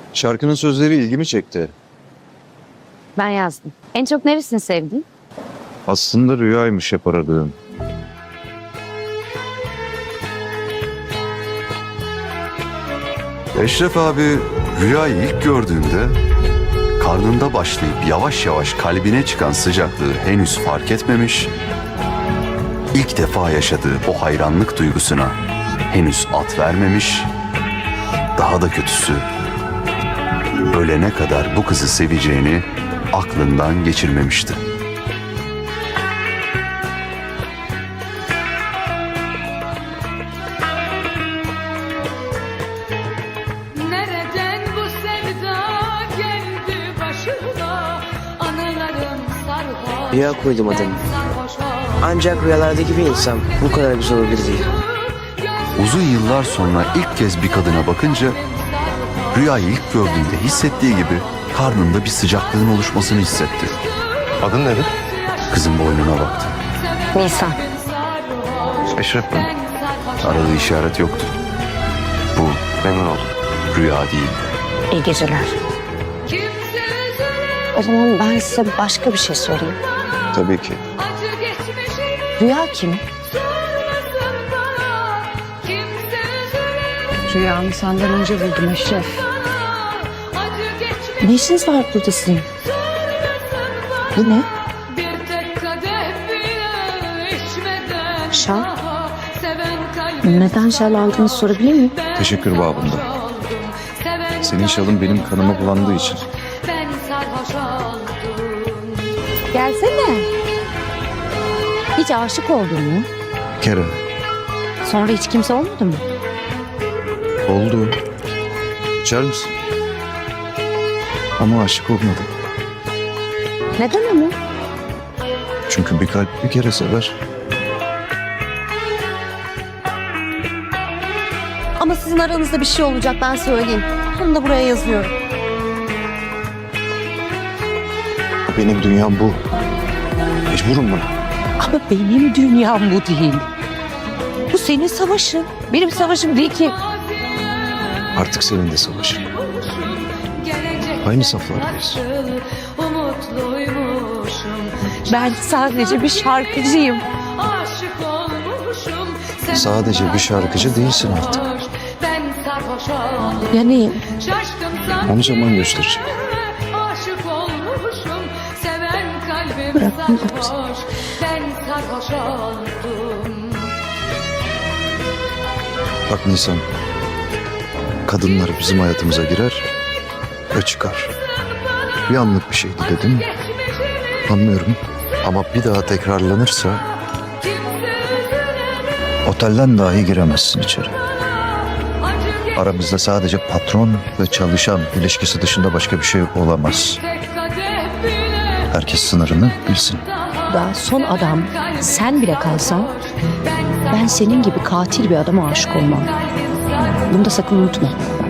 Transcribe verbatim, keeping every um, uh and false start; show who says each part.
Speaker 1: Şarkının sözleri ilgimi çekti.
Speaker 2: Ben yazdım. En çok neresini sevdin?
Speaker 1: Aslında rüyaymış hep aradığım.
Speaker 3: Eşref abi rüyayı ilk gördüğünde karnında başlayıp yavaş yavaş kalbine çıkan sıcaklığı henüz fark etmemiş, ilk defa yaşadığı o hayranlık duygusuna henüz at vermemiş, daha da kötüsü ölene kadar bu kızı seveceğini aklından geçirmemişti.
Speaker 4: Nereden bu sevda geldi başıma? Anılarım sarhoş.
Speaker 5: Rüya koydum adını.
Speaker 4: Sarhoş
Speaker 5: Ancak rüyalardaki bir insan bu kadar güzel olabilir diye.
Speaker 3: Uzun yıllar sonra ilk kez bir kadına bakınca rüyayı ilk gördüğünde hissettiği gibi karnında bir sıcaklığın oluşmasını hissetti.
Speaker 1: Adın nedir?
Speaker 3: Kızın boynuna baktı.
Speaker 2: Nisan.
Speaker 1: Eşref ben.
Speaker 3: Aradığı işaret yoktu. Bu
Speaker 1: Memnun oldum.
Speaker 3: rüya değildi.
Speaker 2: İyi geceler. O zaman ben size başka bir şey sorayım.
Speaker 1: Tabii ki.
Speaker 2: Rüya kim? Rüyamı senden önce buldum Eşref. Ne işiniz var burada sizin? Bu ne? Şal. Neden şal aldığını sorabilir miyim?
Speaker 1: Teşekkür babında. Senin şalın benim kanıma bulandığı için.
Speaker 4: Ben sarhoş oldum.
Speaker 2: Gelsene. Hiç aşık oldun mu?
Speaker 1: Bir kere
Speaker 2: Sonra hiç kimse olmadı mı?
Speaker 1: oldu. İçer misin? Ama aşık olmadım.
Speaker 2: Neden ama?
Speaker 1: Çünkü bir kalp bir kere sever.
Speaker 2: Ama sizin aranızda bir şey olacak, ben söyleyeyim. Bunu da buraya yazıyorum.
Speaker 1: Benim dünyam bu. Mecburum buna.
Speaker 2: Ama benim dünyam bu değil. Bu senin savaşın. Benim savaşım değil ki.
Speaker 1: Artık senin de savaşın. Aynı saflardayız.
Speaker 2: Ben sadece bir şarkıcıyım.
Speaker 1: Sadece bir şarkıcı değilsin artık.
Speaker 4: Ben sarhoş oldum.
Speaker 2: Yani
Speaker 4: Şaşkın
Speaker 1: Onu zaman gösterecek.
Speaker 4: Aşık olmuşum. Seven kalbim
Speaker 2: Bırakın
Speaker 4: sarhoş. Ben sarhoş oldum.
Speaker 1: Bak Nisan. Kadınlar bizim hayatımıza girer ve çıkar. Bir anlık bir şeydi dedim. Anlıyorum. Ama bir daha tekrarlanırsa otelden dahi giremezsin içeri. Aramızda sadece patron ve çalışan ilişkisi dışında başka bir şey olamaz. Herkes sınırını bilsin.
Speaker 2: daha son adam sen bile kalsan ben senin gibi katil bir adama aşık olmam. Bunu da sakın unutma.